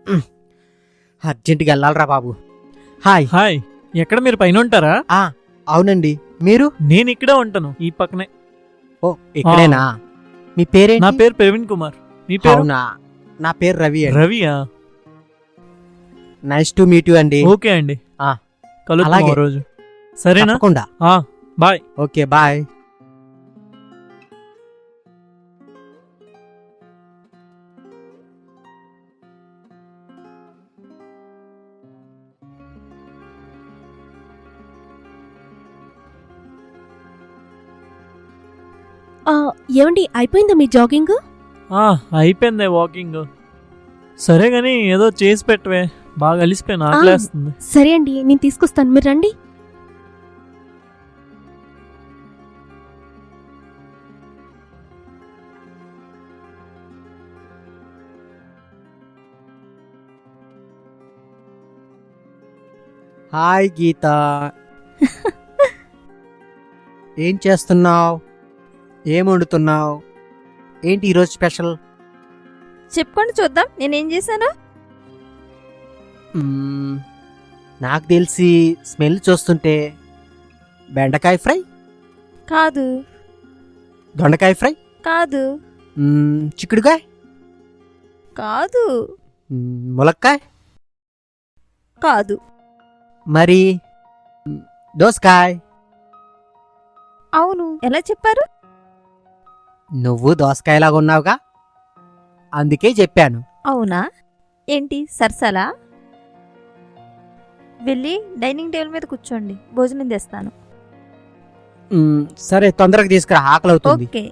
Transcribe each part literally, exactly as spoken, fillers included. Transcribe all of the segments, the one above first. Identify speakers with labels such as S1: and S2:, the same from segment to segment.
S1: అర్జెంటుగా వెళ్ళాలరా బాబు. Hi.
S2: Hi, ఎక్కడ మీరు పైన ఉంటారా?
S1: ఆ అవునండి. మీరు?
S2: నేను ఇక్కడే ఉంటాను, ఈ పక్కనే.
S1: ఓ ఇక్కడేనా? మీ పేరేంటి?
S2: నా పేరు ప్రవీణ్ కుమార్. మీ పేరు?
S1: అవునా, నా పేరు రవి అండి.
S2: రవియా?
S1: నైస్ టు మీట్ యు అండి.
S2: ఓకే అండి,
S1: ఆ,
S2: కలుద్దాం
S1: అలాగే.
S2: ఓ రోజు. సరేనా?
S1: తప్పకుండా.
S2: ఆ, బాయ్.
S1: Okay bye.
S3: ఆ, ఏమండి అయిపోయిందా మీ జాగింగ్?
S2: ఆ, అయిపోయింది వాకింగ్. సరే గాని ఏదో చేసి పెట్టవే, బాగా అలిసిపోయాను, ఆకలేస్తుంది.
S3: సరే అండి, నేను తీసుకొస్తాను, మీరు రండి.
S1: హాయ్ గీత. ఏం చేస్తున్నావు? ఏం వండుతున్నావు? ఏంటి ఈరోజు స్పెషల్?
S4: చెప్పుకోండి చూద్దాం నేనేం చేశాను.
S1: మ్మ్, నాకు తెలిసి స్మెల్ చూస్తుంటే బెండకాయ ఫ్రై,
S4: కాదు
S1: దొండకాయ ఫ్రై,
S4: కాదు
S1: మ్మ్, చిక్కుడుకాయ,
S4: కాదు
S1: మ్మ్, ములక్కాయ,
S4: కాదు
S1: మరి మ్, దోసకాయ.
S4: అవును, ఎలా చెప్పారు?
S1: నువ్వు దోసకాయలాగా ఉన్నావుగా, అందుకే చెప్పాను.
S4: అవునా, ఏంటి సరసలా? వెళ్ళి డైనింగ్ టేబుల్ మీద కూర్చోండి, భోజనం తెస్తాను.
S1: మ్, సరే తొందరగా తీసుకురా, ఆకలి అవుతుంది.
S4: ఓకే.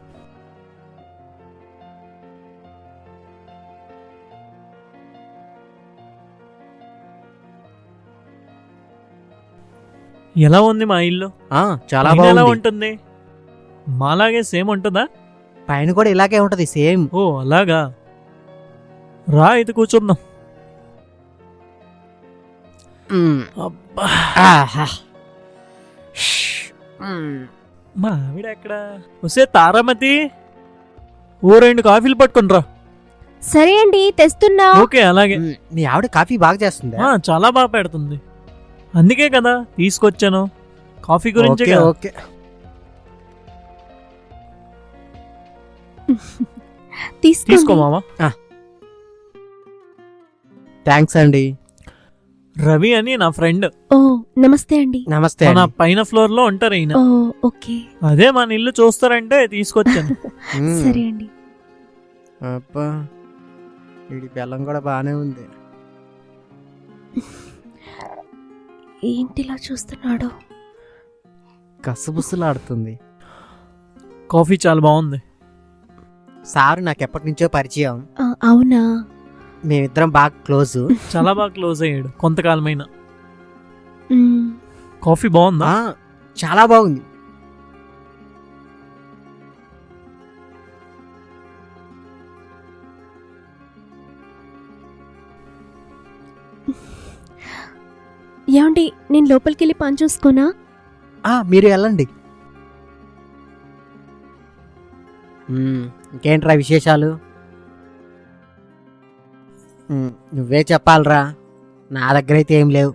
S2: ఎలా ఉంది మా ఇల్లు?
S1: ఆ, చాలా
S2: పైన ఎలా
S1: బాగుంది.
S2: ఉంటుంది? మాలాగే సేమ్ ఉంటుందా?
S1: పైన కూడా ఇలాగే ఉంటది, సేమ్.
S2: ఓ అలాగా, రా అయితే కూర్చుందాం.
S1: మ్,
S2: అబ్బా,
S1: ఆహా. మ్,
S2: మా ఆవిడ ఎక్కడ? వస్తే తారామతి, ఓ రెండు కాఫీలు పట్టుకునిరా.
S3: సరే అండి, తెస్తున్నా.
S2: ఓకే అలాగే.
S1: మ్, మీ ఆవిడ కాఫీ బాగా చేస్తుంది.
S2: ఆ, చాలా బాగా పెడుతుంది, అందుకే కదా తీసుకొచ్చాను, కాఫీ గురించి.
S1: Okay okay.
S3: తీసుకోండి.
S2: తీసుకో మామా.
S1: థ్యాంక్స్ అండి.
S2: రవి అని నా ఫ్రెండ్,
S3: ఓ నమస్తే అండి.
S1: నమస్తే
S2: మన
S1: అండి.
S2: పైన ఫ్లోర్ లో ఉంటారు ఈయన.
S3: ఓ ఓకే.
S2: అదే మన ఇల్లు చూస్తారంటే తీసుకొచ్చాను.
S1: మ్,
S3: సరే అండి.
S1: అబ్బా, వీడి బెల్లం కూడా బానే ఉంది.
S3: ఏంటిలా చూస్తున్నాడు?
S1: కసుబుసులాడుతుంది.
S2: కాఫీ చాలా బాగుంది.
S1: సారు నాకు ఎప్పటి నుంచో పరిచయం.
S3: ఆ, అవునా?
S1: మేమిద్దరం బాగా క్లోజ్.
S2: చాలా బాగా క్లోజ్ అయ్యాడు కొంతకాలమైన.
S3: మ్,
S2: కాఫీ బాగుందా?
S1: ఆ, చాలా బాగుంది.
S3: ఏమండి నేను లోపలికి వెళ్ళి పని చూసుకోనా?
S1: ఆ, మీరు వెళ్ళండి. మ్, ఇంకేంట్రా విశేషాలు? మ్, నువ్వే చెప్పాలరా, నా దగ్గర అయితే ఏం లేవు.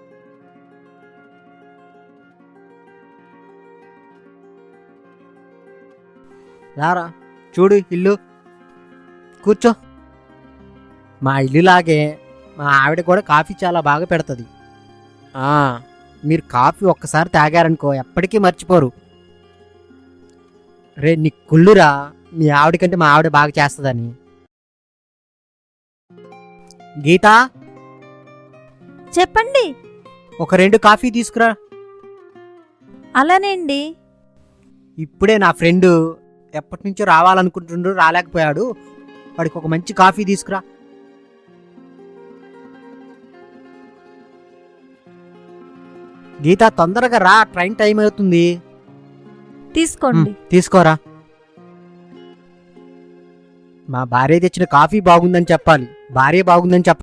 S1: రారా, చూడు ఇల్లు, కూర్చో. మా ఇల్లులాగే మా ఆవిడ కూడా కాఫీ చాలా బాగా పెడుతుంది. ఆ, మీరు కాఫీ ఒక్కసారి తాగారనుకో ఎప్పటికీ మర్చిపోరు. రే నీ కుళ్ళురా, మీ ఆవిడ కంటే మా ఆవిడ బాగా చేస్తుందని. గీత,
S4: చెప్పండి.
S1: ఒక రెండు కాఫీ తీసుకురా.
S4: అలానేండి.
S1: ఇప్పుడే నా ఫ్రెండ్ ఎప్పటి నుంచో రావాలనుకుంటుండ్రు, రాలేకపోయాడు. వాడికి ఒక మంచి కాఫీ తీసుకురా. గీత తొందరగా రా, ట్రైన్ టైం అవుతుంది.
S4: తీసుకోండి.
S1: తీసుకోరా. మా భార్య తెచ్చిన కాఫీ బాగుందని చెప్పాలి, భార్య బాగుందని చెప్ప